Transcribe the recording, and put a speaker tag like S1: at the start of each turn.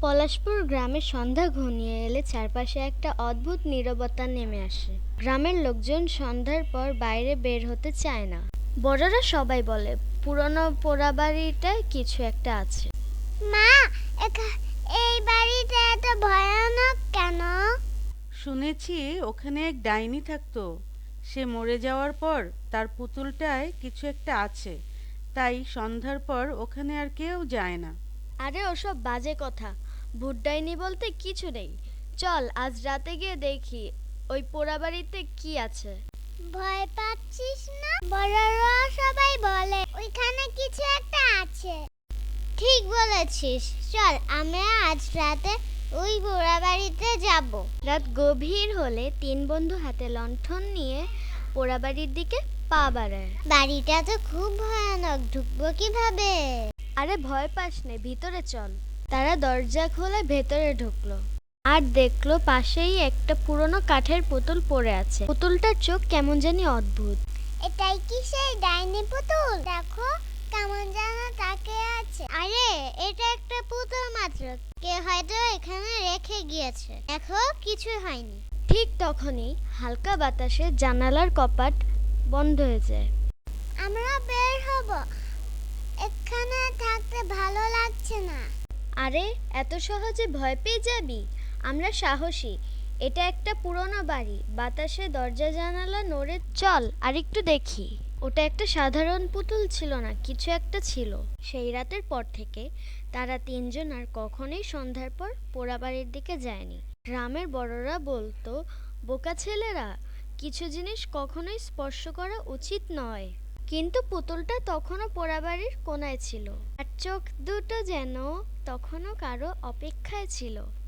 S1: পলাশপুর গ্রামের সন্ধ্যা ঘনিয়ে এলে চারপাশে একটা অদ্ভুত নীরবতা নেমে আসে। গ্রামের লোকজন সন্ধ্যার পর বাইরে বের হতে চায় না। বড়রা সবাই বলে পুরনো পোড়াবাড়িটায় কিছু একটা আছে।
S2: মা, এই বাড়িটা এত ভয়ানক কেন?
S3: শুনেছি ওখানে এক ডাইনি থাকতো। সে মরে যাওয়ার পর তার পুতুলটায় কিছু একটা আছে, তাই সন্ধ্যার পর ওখানে আর কেউ যায় না।
S1: আরে ওসব বাজে কথা, ভূত ডাইনি বলতে কিছু নেই। চল আজ রাতে গিয়ে দেখি ওই পোড়াবাড়িতে কি আছে।
S2: ভয় পাচ্ছিস না? বড়রা সবাই বলে ওইখানে কিছু একটা আছে। ঠিক বলেছিস, চল আমরা আজ রাতে ওই বুড়া বাড়িতে যাব।
S1: রাত গভীর হলে তিন বন্ধু হাতে লণ্ঠন নিয়ে পোড়াবাড়ির দিকে পা বাড়ায়।
S2: বাড়িটা তো খুব ভয়ানক, ঢুকবো কিভাবে?
S1: আরে ভয় পাস নে, ভিতরে চল। তারা দরজা খুলে ভেতরে ঢুকলো আর দেখলো পাশেই একটা পুরনো কাঠের পুতুল পড়ে আছে। পুতুলটার চোখ কেমন জানি অদ্ভুত।
S2: এটাই কি সেই ডাইনি পুতুল? দেখো কেমন যেন তাকে আছে। আরে এটা একটা পুতুল মাত্র, কে হয়তো এখানে রেখে গিয়েছে। দেখো কিছু হয়নি।
S1: ঠিক তখনই হালকা বাতাসে জানালার কপাট বন্ধ হয়ে যায়।
S2: আমরা বের হব, এখানে থাকতে ভালো লাগছে না।
S1: আরে এত সহজে ভয় পেয়ে যাবি? আমরা সাহসী। এটা একটা পুরনো বাড়ি, বাতাসে দরজা জানালা নড়ে। চল আরেকটু দেখি। ওটা একটা সাধারণ পুতুল ছিল না, কিছু একটা ছিল। সেই রাতের পর থেকে তারা তিনজন আর কখনোই সন্ধ্যার পর পোড়াবাড়ির দিকে যায়নি। গ্রামের বড়রা বলতো, বোকা ছেলেরা, কিছু জিনিস কখনোই স্পর্শ করা উচিত নয়। কিন্তু পুতুলটা তখনও পোড়াবাড়ির কোনায় ছিল আর চোখ দুটো যেন তখনও কারো অপেক্ষায় ছিল।